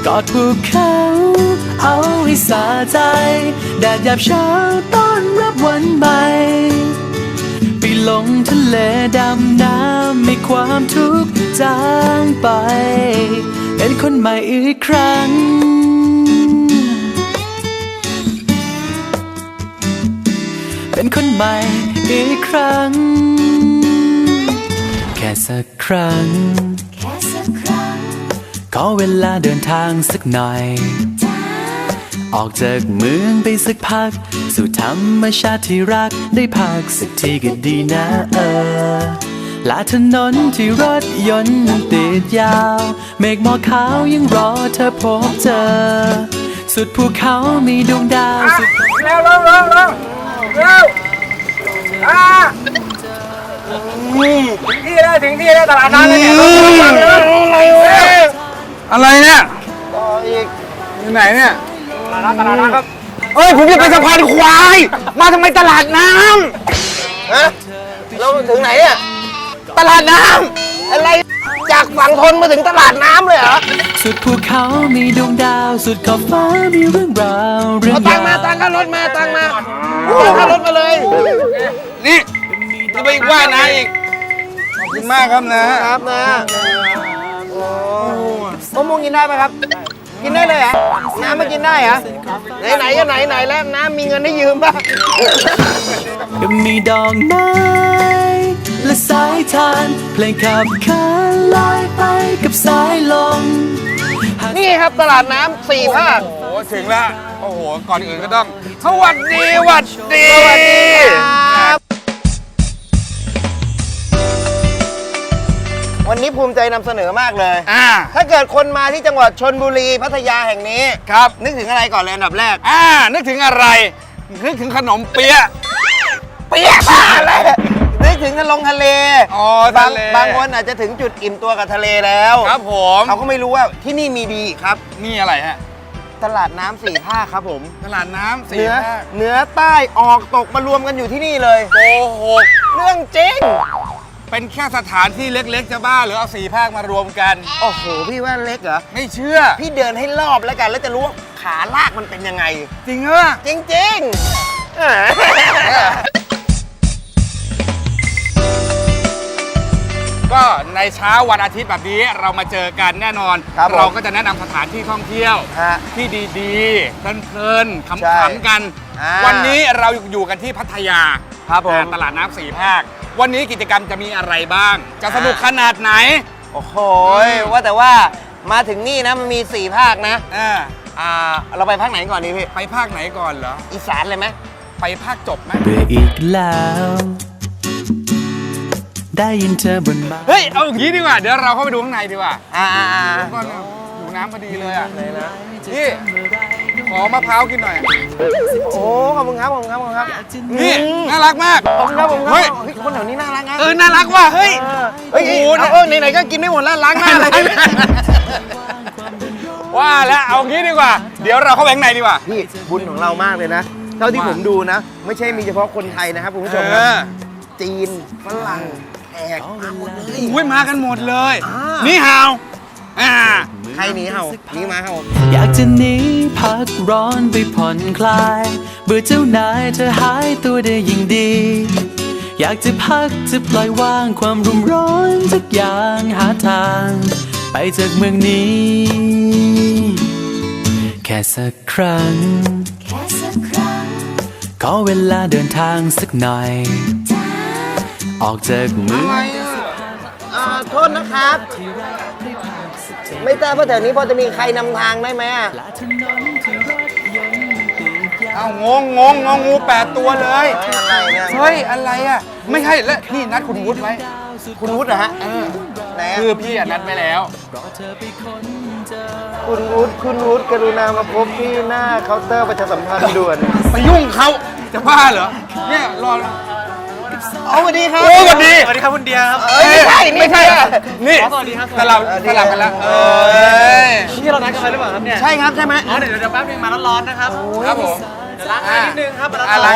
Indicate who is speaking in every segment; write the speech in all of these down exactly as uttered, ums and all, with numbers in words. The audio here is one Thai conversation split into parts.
Speaker 1: กอดภูเขาเอาให้สาใจแดดยามเช้าต้อนรับวันใหม่ไปลงทะเลดำน้ำให้ความทุกข์จางไปเป็นคนใหม่อีกครั้งเป็นคนใหม่อีกครั้งแค่สักครั้งแค่สักครั้งขอเวลาเดินทางสักหน่อยออกจากเมืองไปสักพักสู่ธรรมชาติที่รักได้พักสักทีก็ดีนะเออลาถนนที่รถยนต์ติดยาวเมฆหมอกขาวยังรอเธอพบเจอสุดภูเขามีดวงดาวสุด
Speaker 2: เร็วเร็วเร็วเร็วเร็วอ่าถึงที่แล้วถึงที่แล้วตลาดน้ำแล้วเนี่ยอะไรวะอะไรเนี่ยต่ออีกอยู่ไหนเนี่ยตลาดน้ำตลาดน้ำครับเอ้ยผมจะไปสะพานควายมาทำไมตลาดน้ำฮะเราถึงไหนอะตลาดน้ำอะไรจากฝั่งทนมาถึงตลาดน้ำเลยเหรอ
Speaker 1: สุดภูเขามีดวงดาวสุดขอบฟ้ามีเรื่องราวเรื่อง
Speaker 2: ราวตังมาตังก็รถมาตังมาตังรถมาเลยนี่จะไปว่านะอีกขอบคุณมากครับนะครับนะโอ้มะม่วงกินได้ไหมครับกินได้เลยเหรอน้ำไม่กินได้เหรอไหนไหนก็ไหนไหนแล้วน้ำมีเงินให้ยืมป่ะ
Speaker 1: ก็มีดอกไม้และสายทานเพลงขับขานลอยไปกับสายลม
Speaker 2: นี่ครับตลาดน้ำสี่ภาคโอ้ถึงแล้วโอ้โหก่อนอื่นก็ต้องสวัสดีสวัสดีสวัสดีครับวันนี้ภูมิใจนำเสนอมากเลยอ่าถ้าเกิดคนมาที่จังหวัดชลบุรีพัทยาแห่งนี้ครับนึกถึงอะไรก่อนเลยอันดับแรกอ่านึกถึงอะไรนึกถึงขนมเปี๊ยะเปี๊ยะอะไรนึกถึงทะลงทะเลอ๋อบางบางคนอาจจะถึงจุดอิ่มตัวกับทะเลแล้วครับผมเขาก็ไม่รู้ว่าที่นี่มีดีครับนี่อะไรฮะตลาดน้ำสี่ภาคครับผมตลาดน้ำสี่ภาคเหนือใต้ออกตกมารวมกันอยู่ที่นี่เลยโกหกเรื่องจริงเป็นแค่สถานที่เล็กๆจะบ้าหรือเอาสี่ภาคมารวมกันโอ้โหพี่ว่าเล็กเหรอไม่เชื่อพี่เดินให้รอบแล้วกันแล้วจะรู้ว่าขาลากมันเป็นยังไงจริงเหรอจริงๆก็ในเช้าวันอาทิตย์แบบนี้เรามาเจอกันแน่นอนเราก็จะแนะนำสถานที่ท่องเที่ยวที่ดีๆเพลินๆขำๆกันวันนี้เราอยู่กันที่พัทยาตลาดน้ำสี่ภาควันนี้กิจกรรมจะมีอะไรบ้างจะสนุกขนาดไหนโอ้โหว่าแต่ว่ามาถึงนี่นะมันมีสี่ภาคนะอ่าเราไปภาคไหนก่อนดีพี่ไปภาคไหนก่อนเหรออีสานเลยไหมไปภาคจบไหม
Speaker 1: เบื่ออีกแล้วได้ยินเธอบนบ้าน
Speaker 2: เฮ้ยเอาอย่างนี้ดีกว่าเดี๋ยวเราเข้าไปดูข้างในดีกว่าอ่าก่อนอยู่น้ำพอดีเลยอ่ะไหนนะพี่ขอมะพร้าวกินหน่อยโอ้ขอบคุณครับขอบคุณครับขอบคุณครับนี่น่ารักมากขอบคุณครับขอบคุณครับเฮ้ยคนแถวนี้น่ารักนะเออน่ารักว่ะเฮ้ยเฮ้ยโอ้เออไหนๆก็กินไม่หมดแล้วล้างหน้าเลยว่าแล้วเอางี้ดีกว่าเดี๋ยวเราเข้าไปข้างในดีกว่าพี่บุญของเรามากเลยนะเท่าที่ผมดูนะไม่ใช่มีเฉพาะคนไทยนะครับคุณผู้ชมนะจีนฝรั่งแขกมาหมดเลยอุ้ยมากันหมดเลยนี่ฮาวอ่าใครหนีเห่าหนีมาเห่า
Speaker 1: อยากจะหนีพักร้อนไปผ่อนคลายเบื่อเจ้านายเธอหายตัวได้ยิ่งดีอยากจะพักจะปล่อยวางความรุ่มร้อนทุกอย่างหาทางไปจากเมืองนี้แค่สักครั้งแค่สักครั้งขอเวลาเดินทางสักหน่อยออกจากเมือง
Speaker 2: โทษนะครับไม่ทราบว่าแถวนี้พอจะมีใครนำทางได้ไหมอ่ะเอางงงงงงูแปดตัวเลยอะไรเนี่ยเฮ้ยอะไรอ่ะไม่ใช่แล้วนี่นัดคุณวุฒิไว้คุณวุฒิเหรอฮะไหนคือพี่อ่ะนัดไว้แล้วคุณวุฒิคุณวุฒิกรุณามาพบที่หน้าเคาน์เตอร์ประชาสัมพันธ์ด่วนไปยุ่งเขาจะบ้าเหรอเนี่ยรอเอาสวัสดีครับโอ้สวัสดี
Speaker 3: สวัสดีครับคุณเดียครับ
Speaker 2: ไม่ใช่ไม่ใช่นี่สวัสดีครับสลับสลับกันแล้วเออ
Speaker 3: ที่เรานัดกันไปหรือเปล่าครับเนี่ย
Speaker 2: ใช่ครับใช่ไหม
Speaker 3: อ๋อเดี๋ยวเดี๋ยวแป๊บนึงมาร้อนๆนะครับ
Speaker 2: ครับผม
Speaker 3: เดี๋ยวล้างหน้านิดนึงครับ
Speaker 2: อะไร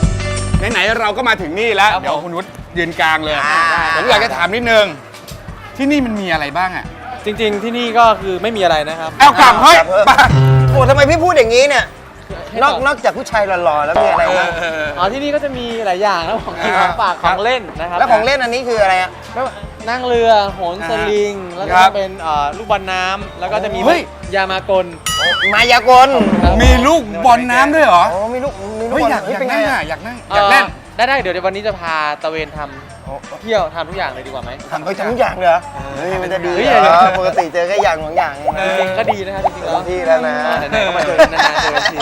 Speaker 2: ไหนๆเราก็มาถึงนี่แล้วเดี๋ยวคุณวุฒิยืนกลางเลยผมอยากจะถามนิดนึง
Speaker 4: ที่นี่มันมีอะไรบ้างอ่ะ
Speaker 3: จริงๆที่นี่ก็คือไม่มีอะไรนะครับ
Speaker 4: เอากลับเฮ้ย
Speaker 2: ไปโอ้ทำไมพี่พูดอย่างนี้เนี่ย นอกนอกจากผู้ชายหล่อๆแล้วมีอะไรบ้าง
Speaker 3: อ๋อที่นี่ก็จะมีหลายอย่างนะของกินของฝากของเล่นนะครับ
Speaker 2: แล้วของเล่นอันนี้คืออะไรอ่ะ
Speaker 3: ก็นั่งเรือโหนสลิง แล้วก็เป็นเอ่อลูกบอลน้ำแล้วก็จะมียามากล
Speaker 2: มายากล
Speaker 4: มีลูกบอลน้ำด้วยเหรอ
Speaker 2: อ๋อมีลูกมีลูก
Speaker 4: เฮ้ย
Speaker 2: บอล
Speaker 4: อยาก
Speaker 2: เฮ้ย
Speaker 4: อยาก
Speaker 2: เป็นไง
Speaker 4: นั่ง
Speaker 2: อ่ะ
Speaker 4: อ่ะอยากนั่งอยากเล่น
Speaker 3: ได้ได้เดี๋ยววันนี้จะพาตะเวนทำเที่ยวทำทุกอย่างเลยดีกว่าไหม
Speaker 2: ทำไปทุกอย่างเลยเหรอเฮ้ยมันจะดี
Speaker 3: เฮ้ย
Speaker 2: เหรอปกติเจอแค่อย่างสองอย่างเองนะ
Speaker 3: จริงๆก็ดีนะครับจริงๆแล้ว
Speaker 2: ที่แล้วนะ
Speaker 3: อ่าไหนๆก็มาเจอกันนานๆเจอกันที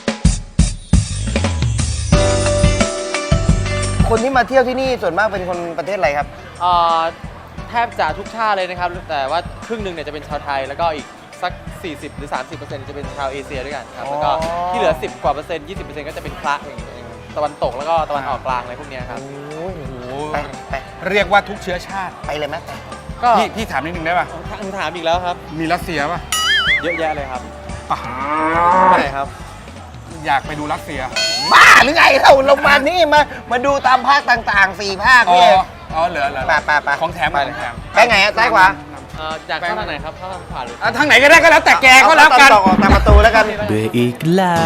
Speaker 2: คนที่มาเที่ยวที่นี่ส่วนมากเป็นคนประเทศอะไรครับ
Speaker 3: เอ่อแทบจะทุกชาติเลยนะครับ แต่ว่าครึ่งหนึ่งเนี่ยจะเป็นชาวไทย แล้วก็อีกสัก สี่สิบ หรือ สามสิบเปอร์เซ็นต์ จะเป็นชาวเอเชียด้วยกันครับ แล้วก็
Speaker 2: อ๋อ
Speaker 3: ที่เหลือ สิบ กว่าเปอร์เซ็นต์ ยี่สิบเปอร์เซ็นต์ ก็จะเป็นพระอย่างเงี้ยตะวันตกแล้วก็ตะวันออกกลางอะไรพวกเนี้ยครับ
Speaker 2: โอ้ย
Speaker 4: โอ้โห
Speaker 2: ไปไป
Speaker 4: เรียกว่าทุกเชื้อชาติ
Speaker 2: ไปเลยไหม
Speaker 3: ก็
Speaker 4: พี่พี่ถามนิดนึงได้ป่ะ
Speaker 3: ถามถามอีกแล้วครับ
Speaker 4: มีรัสเซียป่ะ
Speaker 3: เยอะแยะเลยครับ
Speaker 4: ป่ะ
Speaker 3: ไปไหนครับ
Speaker 4: อยากไปดูรัสเซีย
Speaker 2: บ้าหรือไงเราเรามานี่มามาดูตามภาคต่างๆสี่ภาค
Speaker 4: อ๋อ
Speaker 2: นี่
Speaker 4: อ๋อเหลือเหลือ
Speaker 2: ไปไปไป
Speaker 4: ของแถม
Speaker 3: ไป
Speaker 4: ข
Speaker 3: เล
Speaker 4: อย งแถม
Speaker 2: ไปไงอะซ้ายขวา
Speaker 3: เอ่ออยากเข้าทางไหนครับ เข้าทางขวาหรือ
Speaker 4: อ่ะทางไหนก็ได้ก็แล้วแต่แกก็แล้วกัน
Speaker 2: เอาตามตอกออกตามประตูแล้วกัน
Speaker 1: เบื่ออีกแล้ว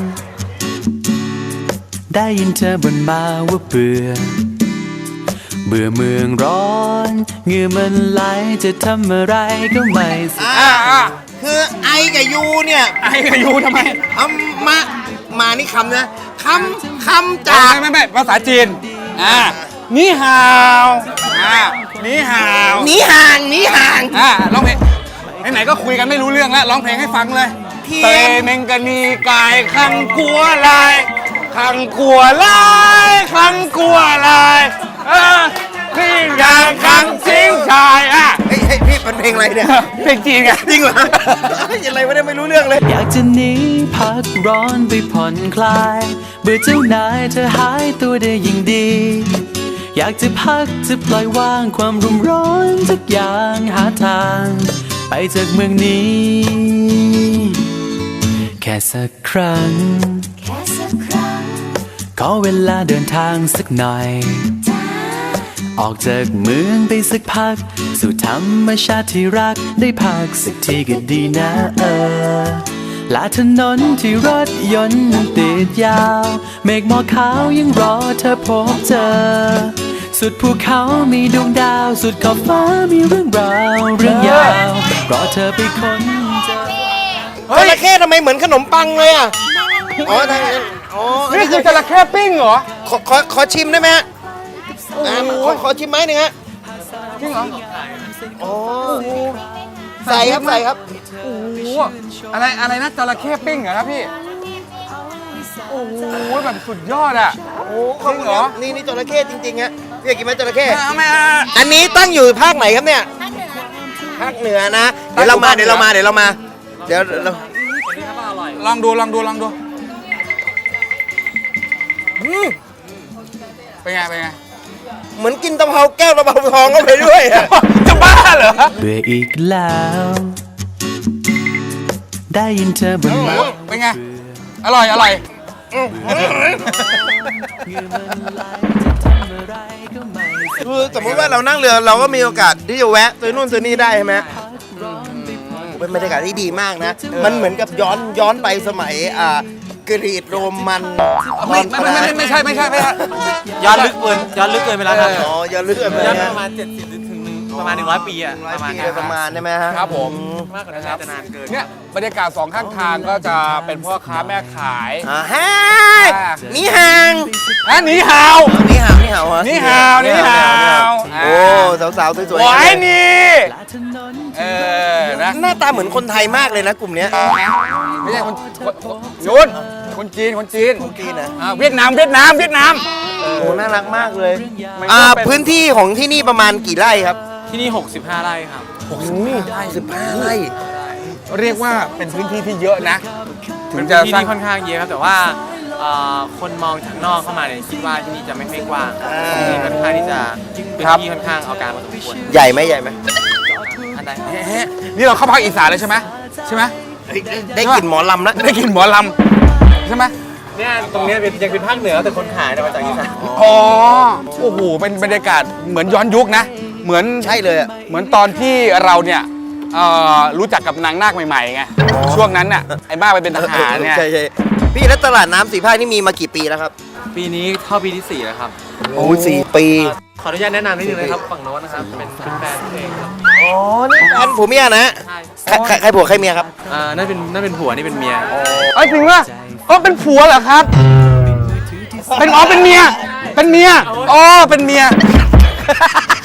Speaker 1: ได้ยินเธอบ่นมาว่าเบื่อ เบื่อเมืองร้อนเหงื่อมันไหลจะทำอะไรก็ไม่สน
Speaker 2: อ่าอ่าคือไอกับยูเนี่ย
Speaker 4: ไอ้กับยูทำไม
Speaker 2: เอามามานี่คำนะคำคำจาก
Speaker 4: ไม่ไม่ไม่ภาษาจีน อ่านี่ฮาวอ่านี่ฮาว
Speaker 2: หนีห่างหนีห่าง
Speaker 4: อ่าร้องเพลงไหนๆก็คุยกันไม่รู้เรื่องแล้วร้องเพลงให้ฟังเลย
Speaker 2: เทียน
Speaker 4: เตเมงกะนีกายคังกัวลายคังกัวลายคังกัวลายเออพี่อยางคังสิงชายอ่ะ
Speaker 2: เฮ้ยเฮ้ยพี่เป็นเพลงอะไรเนี่ย
Speaker 4: เพลงจีนไง
Speaker 2: จริงเหรอเฮ้ยอะไรไม่ได้ไม่รู้เรื่องเลย
Speaker 1: อยากจะหนีพักร้อนไปผ่อนคลาย เบื่อเจ้านายเธอหายตัวได้ยิ่งดี อยากจะพักจะปล่อยวางความรุมร้อนทุกอย่างหาทาง ไปจากเมืองนี้ แค่สักครั้ง ขอเวลาเดินทางสักหน่อย ออกจากเมืองไปสักพัก สู่ธรรมชาติที่รักได้พักสักทีก็ดีนะเออลาถนนที่รถยนต์นั้นติดยาว เมฆหมอกขาวยังรอเธอพบเจอ สุดภูเขามีดวงดาว สุดขอบฟ้ามีเรื่องราวเรื่องยาวรอเธอไปค้นเจอ
Speaker 2: จระเข้ทำไมเหมือนขนมปังเลยอ่ะ อ๋อทางนั้นอ๋อ
Speaker 4: นี่คือจระเข้ปิ้งเหรอ
Speaker 2: ขอขอขอชิมได้ไหมฮะอ่าขอขอชิมไหมหนึ่งฮะ
Speaker 4: จริงเหรอ
Speaker 2: อ๋อใส่ครับใส่ครับ
Speaker 4: โอ้โหอะไรอะไรนะจระเข้ปิ้งเหรอครับพี่ โอ้โหแบบสุดยอดอ่ะ
Speaker 2: โอ้ขอบคุณครับนี่นี่จระเข้จริงๆฮะพี่อยากกินไหมจระเข้
Speaker 4: เอาไหมอ่ะ
Speaker 2: อันนี้ตั้งอยู่ภาคไหนครับเนี่ย ภาคเหนือนะ เดี๋ยวเรามา เดี๋ยวเรามา เดี๋ยวเรามา เดี๋ยวเรา
Speaker 4: ลองดูลองดูลองดูอืมเป็นไงเป็นไง
Speaker 2: เหมือนกินตะเภาแก้วตะเภาทองเข้าไปด้วยอะ
Speaker 4: จะบ้าเหรอ
Speaker 1: เบื่ออีกแล้ว ได้ยินเธอบ่นมา
Speaker 4: เป็นไง อร่อยอร่อย
Speaker 2: คือสมมติว่าเรานั่งเรือเราก็มีโอกาสที่จะแวะซื้อนู่นซื้อนี่ได้ใช่ไหมเป็นบรรยากาศที่ดีมากนะ มันเหมือนกับย้อนย้อนไปสมัยอ่ากรีกโรมันต
Speaker 4: ไม่
Speaker 2: อน
Speaker 4: ไม่ไม่ไม่ไม่ใช่ไม่ใช่ไม่ใช่
Speaker 3: ย้อนลึกเกินย้อนลึกเกินไปแล้วครับ
Speaker 2: อ๋อย้อนลึกไป
Speaker 3: ย้อน
Speaker 2: นะ
Speaker 3: ประมาณเจ็ดสิบถึงหนึ่งประมาณหนึ่งร้อยปีอะ
Speaker 2: ร้อย
Speaker 3: ประมาณ
Speaker 2: ปี
Speaker 3: เนี้ย
Speaker 2: โดยประมาณใช่ไหมฮะ
Speaker 4: ครับผม
Speaker 3: มากกว่านั้นน่าจะนานเกิน
Speaker 4: เนี่ยบรรยากาศสองข้างทางก็จะเป็นพ่อค้าแม่ขาย
Speaker 2: อ่าฮะนี่ห่าง
Speaker 4: อ่ะหนีฮาว
Speaker 2: นี่ห่างนี่ห่างฮะ
Speaker 4: นี่ห่าวนี่ห่าว
Speaker 2: โอ้สาวๆสวย
Speaker 4: หวายนี่
Speaker 1: ถนน
Speaker 4: เออนะ
Speaker 2: หน้าตาเหมือนคนไทยมากเลยนะกลุ่มเนี้ย
Speaker 4: ไม่ใช่คนคนคนยุนคนจีนคนจีน
Speaker 2: จีนนะ
Speaker 4: อ่าเวียดนามเวียดนามเวียดนาม
Speaker 2: โอ้น่ารักมากเลยอ่าพื้นที่ของที่นี่ประมาณกี่ไร่ครับ
Speaker 3: ที่นี่หกสิบห้าไร่ครับ
Speaker 2: สิบห้าไร่
Speaker 4: เรียกว่าเป็นพื้นที่ที่เยอะนะถึ
Speaker 3: เป็
Speaker 4: ง
Speaker 3: น
Speaker 4: จะ
Speaker 3: ที่
Speaker 4: สร้าง
Speaker 3: นี่ค่อนข้างเยอะครับ แต่ว่าเอ่อคนมองจากนอกเข้ามาเนี่ยคิดว่าที่นี่จะไม่ไม่กว้างที่นี่ค่อนข้างที่จะเป็นที่ค่อนข้างเอาการมาสมควร
Speaker 2: ใหญ่ไหมใหญ่ไหม
Speaker 3: อันใด
Speaker 4: เฮ้นี่เราเข้าภาคอีสานเลยใช่ไหมใช่ไหม
Speaker 2: เฮ้ยได้กลิ่นหมอลำแล้ว
Speaker 4: ได้กลินหมอลำใช่ไหม
Speaker 3: เนี่ยตรงเนี้ยเป็นยังเป็นภาคเหนือแต่คนขายเนี่ยมาจากอีสาน
Speaker 4: อ๋อโอ้โหเป็นบรรยากาศเหมือนย้อนยุคนะ เหเหมือน
Speaker 2: ใช่เลยอะ
Speaker 4: เหมือนตอนที่เราเนี่ยเอ่อรู้จักกับนางนาคใหม่ๆไงช่วงนั้นน่ะไอ้มากไปเป็นทหารไง
Speaker 2: ใช่ใช่พี่แล้วตลาดน้ำสี่ภาคนี่มีมากี่ปีแล้วครับ
Speaker 3: ปีนี้เข้าปีที่สี่แล้วครับ
Speaker 2: โอ้สี่ปี
Speaker 3: ขออนุญาตแนะนำนิดนึงนะครับฝั่งโน้นนะครับเป็นเป็นแฟนเพลงครับ
Speaker 2: อ๋อนี่แฟนผัวเมียนะ
Speaker 3: ใช่
Speaker 2: ใครใครใครผัวใครเมียครับ
Speaker 3: อ่านั่นเป็นนั่นเป็นผัวนี่เป็นเมีย
Speaker 4: เอ้ยจริงว่าก็เป็นผัวเหรอครับ เป็นอ๋อเป็นเมีย เป็นเมียอ๋อเป็นเมีย